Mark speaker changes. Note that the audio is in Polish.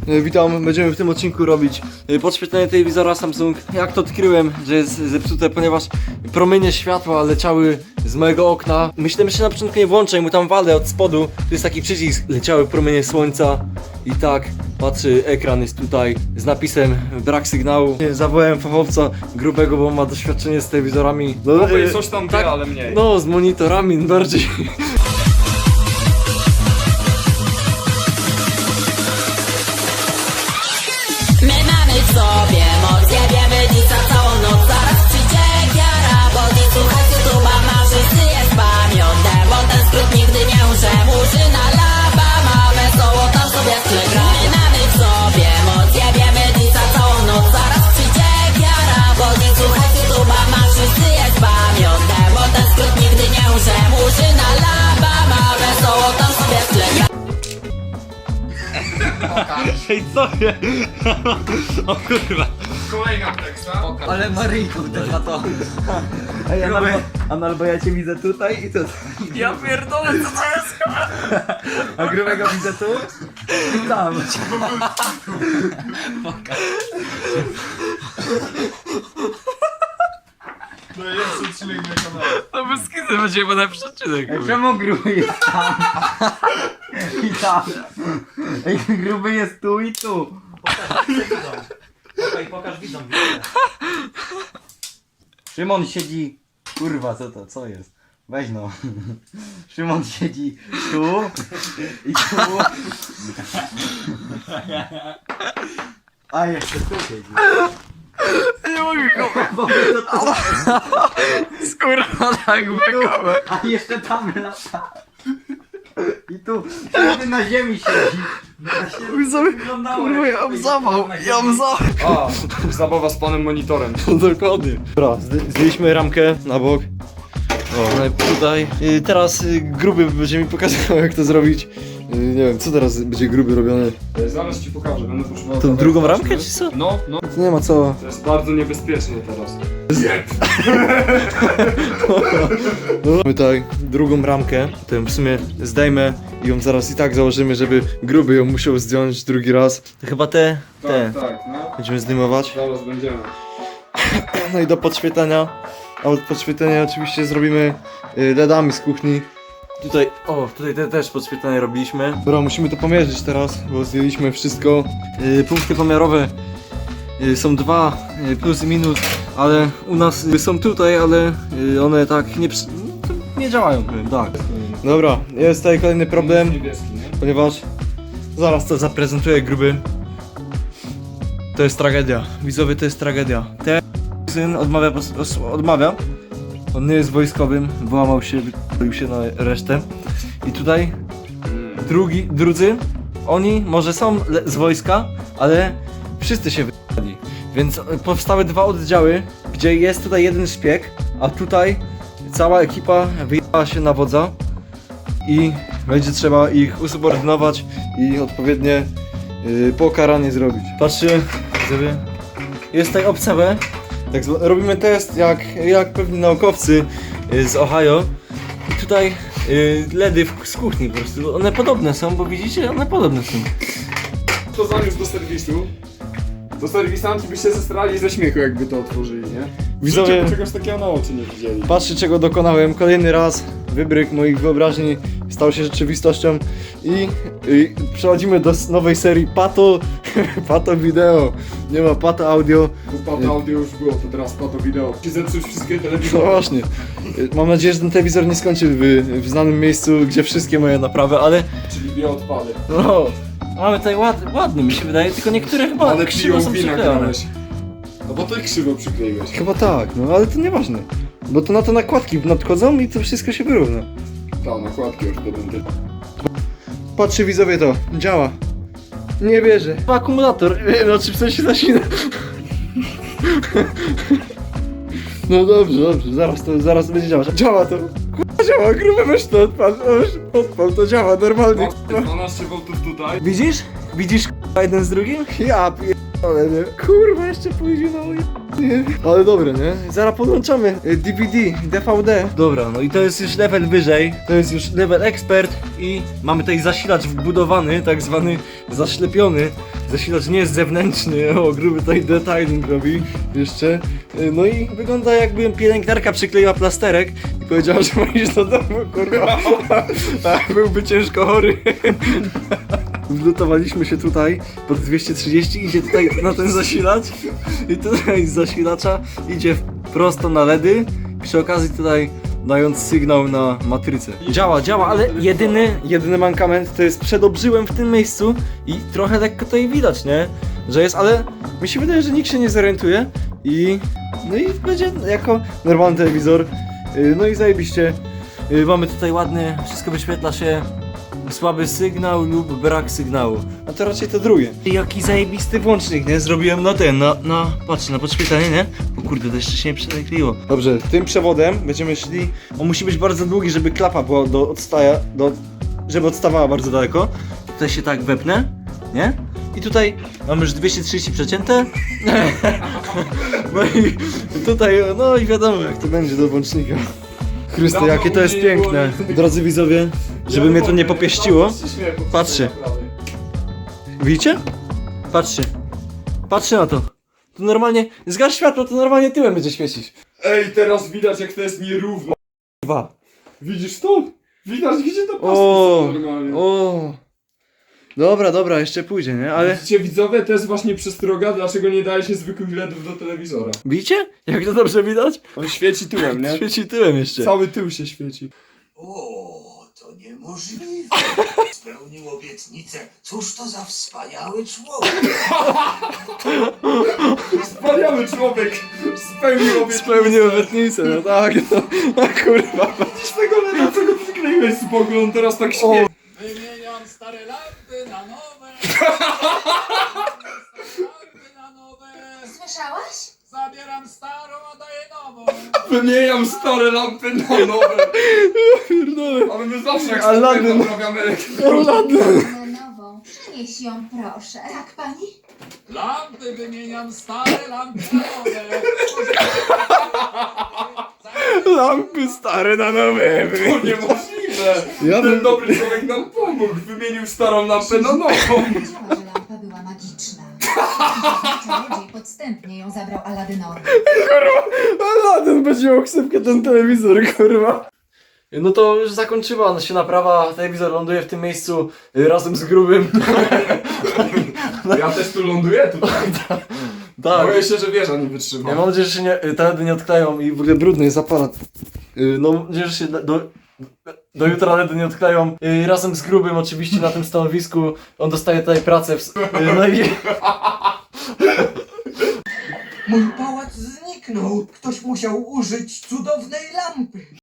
Speaker 1: Witam, będziemy w tym odcinku robić podświetlenie telewizora Samsung. Jak to odkryłem, że jest zepsute, ponieważ promienie światła leciały z mojego okna. Myślałem, że się na początku nie włączę i mu tam walę od spodu. Tu jest taki przycisk, leciały promienie słońca. I tak, patrzy, ekran jest tutaj z napisem brak sygnału. Zawołałem fachowca grubego, bo ma doświadczenie z telewizorami.
Speaker 2: No bo coś tam wie, ale mniej.
Speaker 1: No, z monitorami bardziej.
Speaker 3: My mamy w sobie moc, jebiemy dzisa całą noc. Zaraz przyjdzie giara, bo nie słuchać YouTube'a ma wszyscy jest pamiątem, bo ten skrót nigdy nie umrze. Murzyna laba, mamy wesoło tam sobie w tle gra. My mamy w sobie moc, jebiemy dzisa całą noc. Zaraz przyjdzie giara, bo nie słuchać YouTube'a ma wszyscy jest pamiątem, bo ten skrót nigdy nie umrze. Murzyna laba, mamy wesoło tam sobie w tle gra.
Speaker 2: Ej, co je? O kurwa. Kolejna teksta.
Speaker 4: Ale Maryjką też ma to.
Speaker 1: Ej, albo ja cię widzę tutaj i tutaj.
Speaker 2: Ja pierdolę, co to jest?
Speaker 1: A grubego widzę tu i tam.
Speaker 2: No jest odcinek na kanale. No bez kizy będzie chyba najlepszy odcinek.
Speaker 4: Czemu gruby jest tam? I tam. Ej, gruby jest tu i tu. Pokaż widzom. Szymon siedzi. Kurwa, co to? Co jest? Weź no. Szymon siedzi tu i tu. A jeszcze tu siedzi.
Speaker 2: Nie mogę go.
Speaker 4: Bo to tu.
Speaker 2: Skurwa tak wykołę.
Speaker 4: A jeszcze tam lata. I tu. Kiedy na ziemi siedzi.
Speaker 1: Kurwa, ja mam zawał, ja mam zawał.
Speaker 2: A, zabawa z panem monitorem.
Speaker 1: Dokładnie. Dobra, zdjęliśmy ramkę na bok. O, no i tutaj. Teraz gruby będzie mi pokazywał, jak to zrobić. Nie wiem, co teraz będzie gruby robione.
Speaker 2: Zaraz ci pokażę, będę potrzebował.
Speaker 1: Tą drugą ramkę, czy co?
Speaker 2: No, no.
Speaker 1: To nie ma co.
Speaker 2: To jest bardzo niebezpieczne teraz. Zjeb!
Speaker 1: Mamy tutaj drugą ramkę. To ją w sumie zdejmę i ją zaraz i tak założymy, żeby gruby ją musiał zdjąć drugi raz. To chyba te.
Speaker 2: Tak, no.
Speaker 1: Będziemy zdejmować.
Speaker 2: Zaraz będziemy.
Speaker 1: No i do podświetlenia. A od podświetlenia oczywiście zrobimy LEDami z kuchni. Tutaj też podświetlenie robiliśmy. Dobra, musimy to pomierzyć teraz, bo zdjęliśmy wszystko. Punkty pomiarowe są dwa, plus i minus, ale u nas są tutaj, ale one tak nie działają, powiem, tak. Dobra, jest tutaj kolejny problem,
Speaker 2: Niebieski, nie?
Speaker 1: ponieważ zaraz to zaprezentuję gruby. To jest tragedia, widzowie, to jest tragedia. Syn odmawia. On nie jest wojskowym, wyłamał się, wypalił się na resztę. I tutaj drudzy, oni może są z wojska, ale wszyscy się wypali. Więc powstały dwa oddziały, gdzie jest tutaj jeden szpieg, a tutaj cała ekipa wyjechała się na wodza i będzie trzeba ich usubordynować i odpowiednie pokaranie zrobić. Patrzcie, widzowie, jest tutaj opcja B. Tak, robimy test jak pewni naukowcy z Ohio. I tutaj LEDy z kuchni po prostu. One podobne są, bo widzicie, one podobne są.
Speaker 2: To zaniósł do serwisu. Do serwisanci by się zestrali ze śmiechu, jakby to otworzyli, nie?
Speaker 1: Widzowie-
Speaker 2: Życie czegoś takiego na oczy nie widzieli.
Speaker 1: Patrzcie, czego dokonałem. Kolejny raz wybryk moich wyobraźni stał się rzeczywistością i przechodzimy do nowej serii Pato Video. Nie ma Pato Audio.
Speaker 2: Bo pato audio już było, to teraz pato wideo. Ci zepsuć wszystkie
Speaker 1: No
Speaker 2: telewizory.
Speaker 1: właśnie. Mam nadzieję, że ten telewizor nie skończy w znanym miejscu, gdzie wszystkie moje naprawy, ale
Speaker 2: Czyli bioodpady.
Speaker 1: no, mamy tutaj ładny mi się wydaje, tylko niektóre chyba
Speaker 2: Ale
Speaker 1: krzywo są
Speaker 2: wina
Speaker 1: przyklejone.
Speaker 2: grałeś. No bo ty krzywo przykleiłeś.
Speaker 1: Chyba tak, no ale to nieważne. Bo to na to nakładki nadchodzą i to wszystko się wyrówna.
Speaker 2: Ta, nakładki już będę.
Speaker 1: Patrzcie widzowie, to działa. Nie wierzę. Akumulator, znaczy w sensie zasina. No dobrze, zaraz będzie działać. Działa to. Kurwa, działa, gruby weź to odpal, to działa normalnie.
Speaker 2: 12 V tutaj.
Speaker 1: Widzisz? Widzisz jeden z drugim? Ja pierdolę, nie? Kurwa, jeszcze pójdzie na moje... Ale dobre, nie? Zaraz podłączamy DVD, DVD. Dobra, no i to jest już level wyżej. To jest już level ekspert i mamy tutaj zasilacz wbudowany, tak zwany zaślepiony. Zasilacz nie jest zewnętrzny, o gruby tutaj detailing robi jeszcze. No i wygląda jakby pielęgniarka przykleiła plasterek i powiedziała, że ma iść do domu, kurwa. A byłby ciężko chory. Wlutowaliśmy się tutaj pod 230, idzie tutaj na ten zasilacz i tutaj z zasilacza idzie prosto na LEDy, przy okazji tutaj dając sygnał na matrycę. Działa, ale jedyny mankament to jest przed obrzyłem w tym miejscu i trochę lekko tutaj widać, nie? Że jest, ale mi się wydaje, że nikt się nie zorientuje i no i będzie jako normalny telewizor. No i zajebiście. Mamy tutaj ładny, wszystko wyświetla się. Słaby sygnał lub brak sygnału. A to raczej to drugie. Jaki zajebisty włącznik, nie? Zrobiłem na ten, patrz, na podświetlenie, nie? O kurde, to jeszcze się nie przelekliło. Dobrze, tym przewodem będziemy szli. On musi być bardzo długi, żeby klapa była żeby odstawała bardzo daleko. Tutaj się tak wepnę, nie? I tutaj mamy już 230 przecięte. No i tutaj, no i wiadomo jak to będzie do włącznika. Chryste, jakie to jest piękne. Drodzy widzowie, żeby mnie to nie popieściło. Patrzcie. Widzicie? Patrzcie. Patrzcie na to. To normalnie, zgasz światło, to normalnie tyłem będzie świecić.
Speaker 2: Ej, teraz widać jak to jest nierówno.
Speaker 1: Dwa.
Speaker 2: Widzisz to? Widać gdzie to
Speaker 1: O,
Speaker 2: pasuje normalnie.
Speaker 1: o. Dobra, jeszcze pójdzie, nie? Ale
Speaker 2: Widzicie widzowie, to jest właśnie przestroga, dlaczego nie daje się zwykłych LEDów do telewizora.
Speaker 1: widzicie? Jak to dobrze widać?
Speaker 2: On świeci tyłem, nie?
Speaker 1: Świeci tyłem jeszcze.
Speaker 2: Cały tył się świeci.
Speaker 5: O, to niemożliwe. Spełnił obietnicę. Cóż to za wspaniały człowiek.
Speaker 2: Wspaniały człowiek! Spełnił obietnicę.
Speaker 1: Spełnił obietnicę, no tak, no. A kurwa.
Speaker 2: Z tego LEDa, co go przykleiłeś z boku, on teraz tak świeci.
Speaker 5: Wymieniam stare lampy na nowe.
Speaker 3: Słyszałaś?
Speaker 5: Zabieram starą, a daję nową.
Speaker 2: Wymieniam stare lampy na nowe.
Speaker 1: Pierdolę.
Speaker 2: Ale my zawsze jak
Speaker 1: Aladdin.
Speaker 2: stary naprawiamy
Speaker 1: Aladdin.
Speaker 6: Na nową. Przynieś ją, proszę. Tak, pani?
Speaker 5: Lampy wymieniam stare, lampy na nowe.
Speaker 1: Lampy stare na nowe.
Speaker 2: To niemożliwe.
Speaker 1: Ja
Speaker 2: Ten
Speaker 1: bym...
Speaker 2: dobry człowiek nam pomógł. Wymienił starą lampę na nową.
Speaker 6: Wiedziała, że lampa była magiczna. Czarodziej podstępnie ją zabrał Aladynowi.
Speaker 1: Aladdin będzie miał ksywkę ten telewizor, kurwa. No to już zakończyła się naprawa, telewizor ląduje w tym miejscu razem z grubym.
Speaker 2: Ja też tu ląduję tutaj.
Speaker 1: Tak.
Speaker 2: Boję się, że wieża nie wytrzyma.
Speaker 1: Ja mam nadzieję, że się te LEDy nie odkleją i w ogóle brudny jest aparat. No mam nadzieję, że się do jutra LEDy nie odkleją. Razem z grubym oczywiście na tym stanowisku. On dostaje tutaj pracę no i...
Speaker 5: Mój pałac zniknął. Ktoś musiał użyć cudownej lampy.